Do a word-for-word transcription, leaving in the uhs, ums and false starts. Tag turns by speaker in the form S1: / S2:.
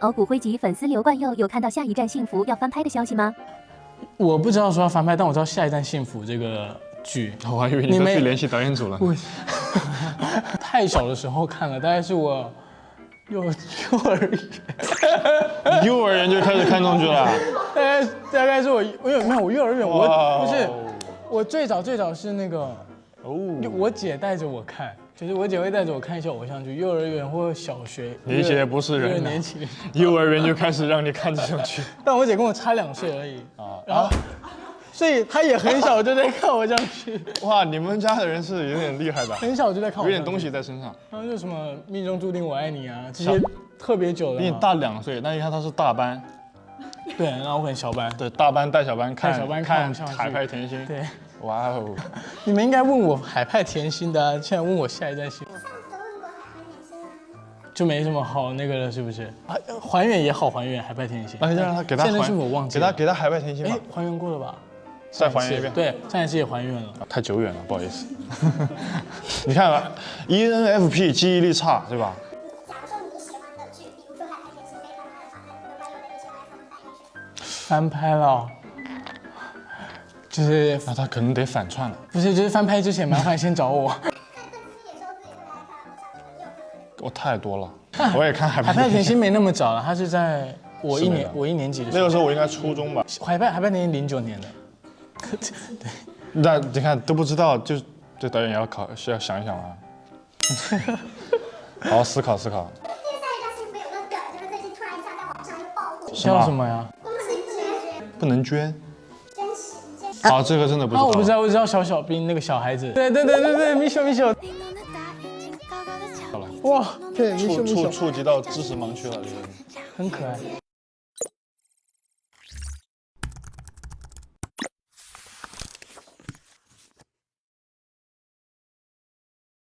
S1: 偶骨灰级粉丝刘冠佑有看到下一站幸福要翻拍的消息吗？
S2: 我不知道说要翻拍，但我知道下一站幸福这个剧。
S3: 我还以为你都去联系导演组了。
S2: 太小的时候看了，大概是我幼幼儿园，
S3: 幼儿园就开始看中剧了。
S2: 大概大概是我我有没有我幼儿园我
S3: 哇
S2: 不是我最早最早是那个
S3: 哦，
S2: 我姐带着我看，就是我姐会带着我看一些偶像剧，幼儿园或小学。
S3: 你姐不是人、啊，
S2: 年轻人，
S3: 幼儿园就开始让你看这种剧。
S2: 但我姐跟我差两岁而已
S3: 啊，
S2: 然后。所以她也很小就在看偶像剧。
S3: 哇，你们家的人是有点厉害的，
S2: 很小就在看偶像剧，
S3: 有点东西在身上。
S2: 然后就什么命中注定我爱你啊，这些特别久的。
S3: 比你大两岁，那你看他是大班。
S2: 对，然后我很小班。
S3: 对，大班带小班看，
S2: 带小班
S3: 看
S2: 看
S3: 海派甜心。
S2: 对，
S3: 哇哦！
S2: 你们应该问我海派甜心的、啊，现在问我下一站幸福。就没什么好那个了，是不是？啊，还原也好还原，海派甜心。
S3: 那就让他给他
S2: 现在是我忘记
S3: 给他给他海派甜心吧。
S2: 哎，还原过了吧？
S3: 再还原一遍。
S2: 对，上一次也还原了。
S3: 太久远了，不好意思。你看啊 ，E N F P 记忆力差，对吧？
S4: 假如说你喜欢的剧，比如说《海派甜心》被翻拍了，有没有人喜欢
S2: 翻
S4: 翻拍
S2: 拍了，就是
S3: 那他可能得反串了。
S2: 不是，就是翻拍之前麻烦先找我。
S3: 我太多了，我也看海派
S2: 海派甜心没那么早了，他是在我一年我一年级的时候。
S3: 那个时候我应该初中吧。
S2: 海派海派甜心零九年的。对。
S3: 那你看都不知道，就这导演也要考，需要想一想啊。好好思考思考。
S4: 因为下一站幸福有个梗，就是最近突然一下在网上又爆火。
S2: 叫什么呀？
S4: 不能捐，
S3: 不能捐。
S4: 真实真实。
S3: 好，这个真的不知道。
S2: 啊，我不知道，我知道小小兵那个小孩子。对对对对对，米秀米秀。
S3: 好了。
S2: 哇，对，米秀米秀。
S3: 触触触及到知识盲区了，这个。
S2: 很可爱。